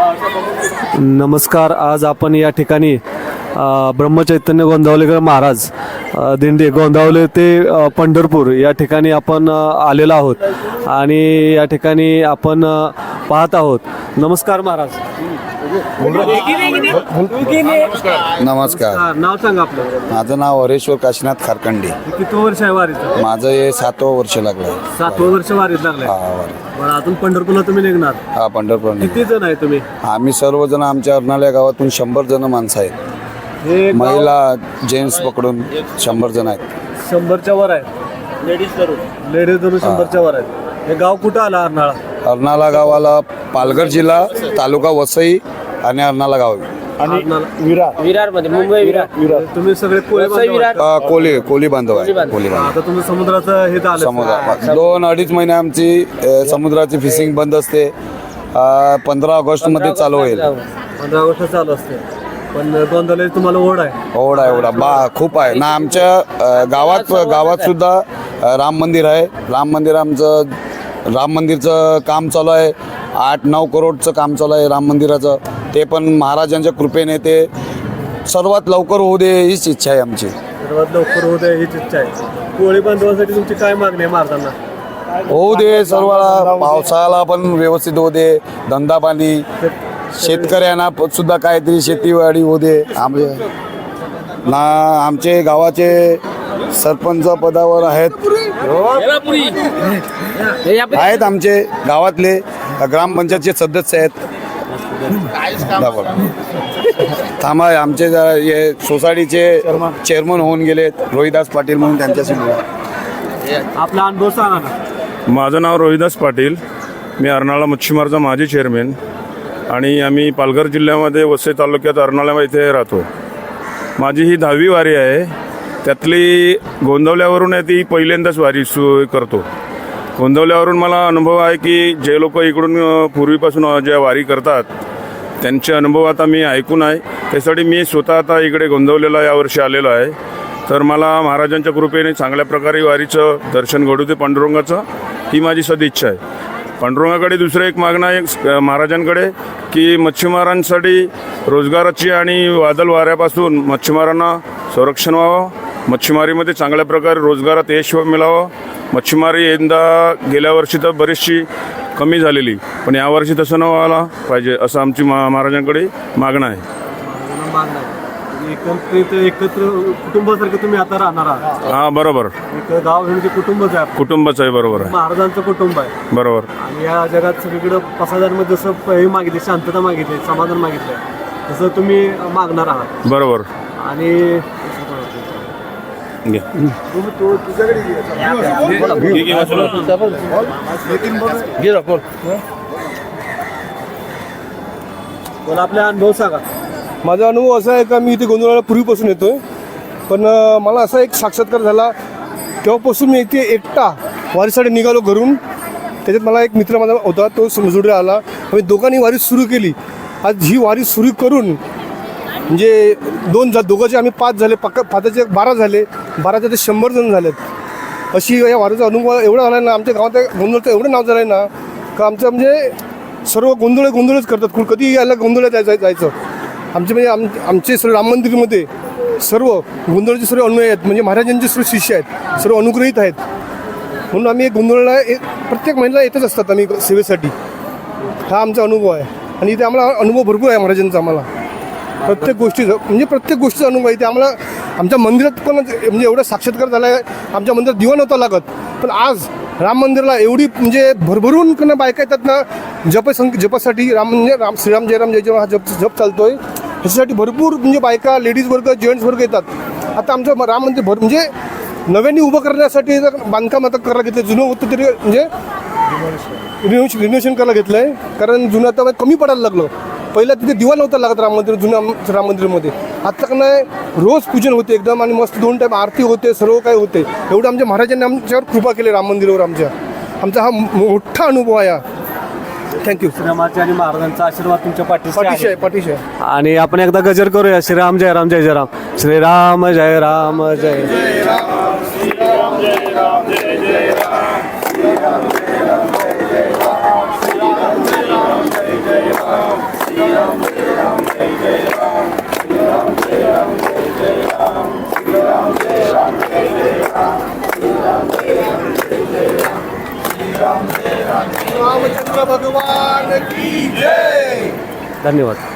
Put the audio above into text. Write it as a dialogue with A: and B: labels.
A: नमस्कार. आज आपण या ठिकाणी ब्रह्मचैतन्य गोंदावलेकर महाराज दिंडी गोंदावले ते पंढरपूर या ठिकाणी आपण आलेलो आहोत आणि या ठिकाणी आपण पाहत आहोत. नमस्कार महाराज.
B: नमस्कार.
A: नाव सांगा आपलं.
B: माझं नाव हरेश्वर काशीनाथ खारखंडे.
A: किती वर्ष आहे वारीचं?
B: माझं हे 7वं वर्ष लागलं.
A: 7वं वर्ष वारीत लागलंय. बरं, अजून पंढरपूरला तुम्ही निघणार?
B: हा, पंढरपूर.
A: किती जण आहे तुम्ही?
B: आम्ही सर्वजण आमच्या अर्नाळ्या गावातून 100 जण माणसं आहेत.
A: हे
B: महिला जेंट्स पकडून 100 जण आहेत.
A: 100च्या वर आहे. लेडीज धरून 100च्या वर आहेत. हे गाव कुठं आलं? अर्नाळा.
B: अर्नाळा गावाला पालघर जिल्हा, तालुका वसई आणि अर्नाळा गाव.
C: विरार मध्ये, मुंबई विरार.
A: तुम्ही सगळे कोळी बांधव आहात?
B: कोली बांधव आहे. कोली बांधव.
A: आता तुम्ही समुद्राचं हे झालं.
B: समुद्र 2-2.5 महिने आमची समुद्राची फिशिंग बंद असते. 15 ऑगस्ट मध्ये चालू होईल.
A: 15 ऑगस्ट चालू असते. पण गोंधळे तुम्हाला ओढ आहे?
B: ओढा खूप आहे ना. आमच्या गावात सुद्धा राम मंदिर आहे. राम मंदिरचं काम चालू आहे. 8-9 करोडचं काम चालू आहे राम मंदिराचं. ते पण महाराजांच्या कृपेने ते सर्वात लवकर होऊ दे हीच इच्छा आहे आमची.
A: सर्वात लवकर होऊ दे हीच इच्छा आहे. कोळी बांधवासाठी तुमची काय मागणी आहे महाराजांना?
B: होऊ दे सर्वाला. पावसाळा पण व्यवस्थित होऊ दे. धंदा पाणी शेतकऱ्यांना सुद्धा काहीतरी शेतीवाडी होऊ दे. आमचे गावाचे सरपंच पदावर आहेत आमचे गावातले ग्रामपंचायतचे सदस्य आहेत. थांबा, आमचे हे सोसायटीचे चेअरमन होऊन गेलेत रोहिदास पाटील म्हणून. त्यांच्याशी
A: आपला अनुभव सांगा ना.
D: माझं नाव रोहिदास पाटील. मी अर्नाळा मच्छीमारचा माजी चेअरमॅन आणि आम्ही पालघर जिल्ह्यामध्ये वसई तालुक्यात अर्नाळा इथे राहतो. माझी ही 10वी वारी आहे. त्यातली गोंदवल्यावरून आहे ती पहिल्यांदाच वारी करतो. गोंदवल्यावरून मला अनुभव आहे की जे लोक इकडून पूर्वीपासून ज्या वारी करतात त्यांचे अनुभव आता मी ऐकून आहे. त्यासाठी मी स्वतः आता इकडे गोंदवलेला यावर्षी आलेलो आहे. तर मला महाराजांच्या कृपेने चांगल्या प्रकारे वारीचं दर्शन घडू दे पांडुरंगाचं, ही माझी सदिच्छा आहे. पांडुरंगाकडे दुसरं एक मागणं आहे महाराजांकडे की मच्छीमारांसाठी रोजगाराची आणि वादळ वाऱ्यापासून मच्छीमारांना संरक्षण व्हावं. मच्छीमारीमध्ये चांगल्या प्रकारे रोजगारात यश मिळावं. मच्छीमारी यंदा गेल्या वर्षी तर बरीचशी कमी झालेली, पण यावर्षी तसं न व्हायला पाहिजे असं आमची महाराजांकडे मागणं आहे.
A: एकत्र कुटुंबासारखं तुम्ही आता राहणार आहात.
D: हां, बरोबर.
A: एक गाव म्हणजे कुटुंबच आहे.
D: कुटुंबच आहे. बरोबर आहे.
A: महाराजांचं कुटुंब आहे.
D: बरोबर.
A: आणि या जगात सगळीकडं पसायदांमध्ये जसं हे मागितले, शांतता मागितली, समाधान मागितलंय, तसं तुम्ही मागणार आहात.
D: बरोबर.
A: आणि आपले अनुभव सांगा.
E: माझा अनुभव असा आहे का मी इथे गोंधळाला पूर्वीपासून येतो आहे. पण मला असा एक साक्षात्कार झाला तेव्हापासून मी इथे एकटा वारीसाठी निघालो घरून. त्याच्यात मला एक मित्र माझा होता, तो समजुडे आला. आम्ही दोघांनी वारी सुरू केली. आज ही वारी सुरू करून म्हणजे दोघांचे आम्ही 5 झाले, 5चे 12 झाले, 12चे ते 100 जण झालेत. अशी या वारीचा अनुभव एवढा झाला ना. आमच्या गावात गोंधळचं एवढं नाव झालं आहे ना का आमचं म्हणजे सर्व गोंधळच करतात. कधी यायला गोंधळात जायचं. आमचे म्हणजे आमचे सर्व राम मंदिरमध्ये सर्व गोंधळाचे सर्व अनुयायी आहेत. म्हणजे महाराजांचे सर्व शिष्य आहेत, सर्व अनुग्रहित आहेत. म्हणून आम्ही गोंधळला प्रत्येक महिन्याला येतच असतात आम्ही सेवेसाठी. हा आमचा अनुभव आहे. आणि इथे आम्हाला अनुभव भरपूर आहे महाराजांचा. आम्हाला प्रत्येक गोष्टीचा अनुभव आहे. ते आम्हाला आमच्या मंदिरात पण म्हणजे एवढा साक्षात्कार झाला आहे. आमच्या मंदिरात दिवा नव्हता लागत, पण आज राम मंदिराला एवढी म्हणजे भरभरून करणं बायका येतात ना जपासाठी. श्रीराम जयराम जय जय हा जप चालतोय. ह्याच्यासाठी भरपूर म्हणजे बायका, लेडीज वर्ग, जेंट्स वर्ग येतात. आता आमचं राम मंदिर म्हणजे नव्याने उभं करण्यासाठी बांधकाम आता करायला घेतलं. जुनं होतं तरी म्हणजे रिनोव्हेशन करायला घेतलं आहे. कारण जुनं आता कमी पडायला लागलं. पहिला तिथे दिवा नव्हता लागत जुन्या राम मंदिरमध्ये. आता का नाही रोज पूजन होते एकदम आणि मस्त 2 टाईम आरती होते, सर्व काही होते. एवढं आमच्या महाराजांनी आमच्यावर कृपा केली राम मंदिरावर. आमचा हा मोठा अनुभव आहे. थँक्यू.
A: श्रीरामाचे आणि महाराजांचा आशीर्वाद तुमच्या
E: पाठीशी आहे.
A: आणि आपण एकदा गजर करूया. श्रीराम जय राम जय जय राम. श्रीराम जय राम जय जय राम. श्रीराम जय राम जय जय राम. श्रीराम जय राम जय जय राम. श्रीराम जय राम जय जय राम.
E: रामचंद्र भगवान की जय.
A: धन्यवाद.